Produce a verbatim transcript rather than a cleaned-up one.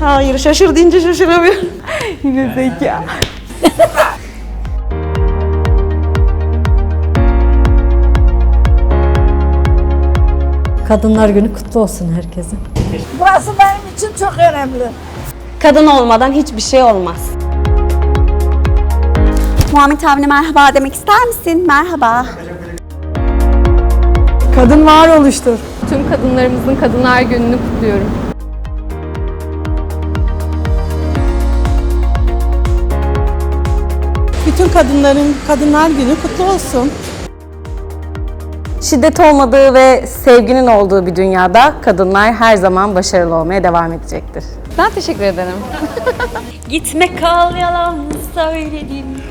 Hayır, şaşır deyince şaşıramıyorum. Yine zeka. Kadınlar Günü kutlu olsun herkesin. Burası benim için çok önemli. Kadın olmadan hiçbir şey olmaz. Muhammed abine merhaba demek ister misin? Merhaba. Kadın varoluştur. Tüm kadınlarımızın Kadınlar Günü'nü kutluyorum. Bütün kadınların Kadınlar Günü kutlu olsun. Şiddet olmadığı ve sevginin olduğu bir dünyada kadınlar her zaman başarılı olmaya devam edecektir. Ben teşekkür ederim. Gitme kal yalan söyledim.